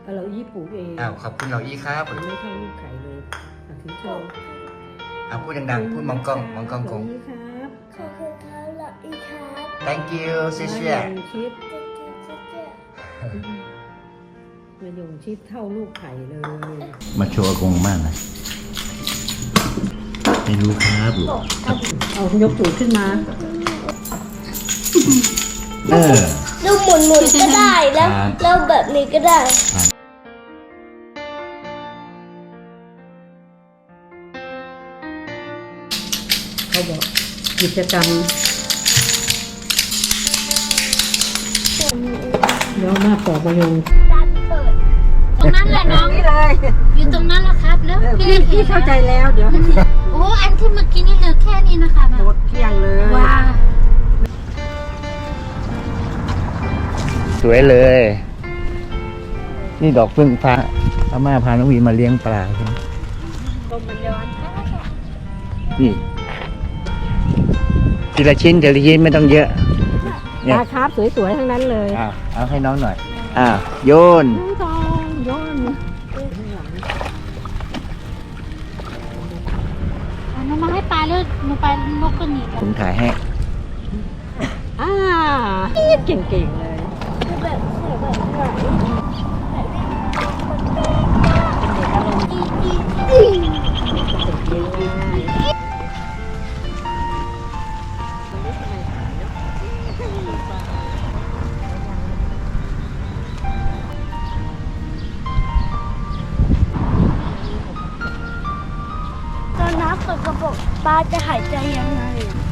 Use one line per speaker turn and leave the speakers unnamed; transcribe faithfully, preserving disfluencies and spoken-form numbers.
เราอี้ปลูกเอง
อ้าวขอบคุณเราอี้ครับ
ไม่เข้าลูกไข่เลยถือโชว์
เอาพูดดังๆพูดมองกล้องมองกล้องกง
อี้ครับ
ขอบคุณครับเราอีกครับ
thank you เชี่ยเชี่ย
มายงชิด
เจ๊เจ๊เจ๊เจ๊
มายงชิดเท่าลูกไข่เลย
มาโชว์อากงมากนะไม่รู้ครับลูก
เอายกตูดขึ้นมา
เออ
ดูหมุนหมุนก็ได้แล้ว
ครับ
แล้วแบบนี้ก็ได้
เขาบอกกิจกรรมเดี๋ยวมาปอกมายง
ดันเปิด
ตรงนั้นแหละน้อง
นี่เลย
อยู่ตรงนั้นแหละครับแล้วพี่
พี่
เล่น
พี่เข้าใจแล้วเดี๋ยวให้
โอ้อันที่เมื่อกี้นี่เหลือแค่นี้นะคะ
หมดเกลี้ยงเลย
ว้า
สวยเลย นี่ดอกพึ่งฟ้าอาม่าพาน้องวีมาเลี้ยงปลาใช่ไหม
ลมมันย้อน
นี่ทีละชิ้นทีละชิ้นไม่ต้องเยอะ
ปลาคาร์ฟสวยๆทั้งนั้นเลย
อ้าวเอาให้น้องหน่อยอ้าวโยน
น้องทองย้อน
เอาหนูมาให้ปลาแล้วหนูไปนกก็หนีแล้ว
ผมถ่ายให้
อ่าเก่งๆเลย
คือแบบเสียแบบไหน ตอนน้ำตกกระบอกปลาจะหายใจยังไงอะ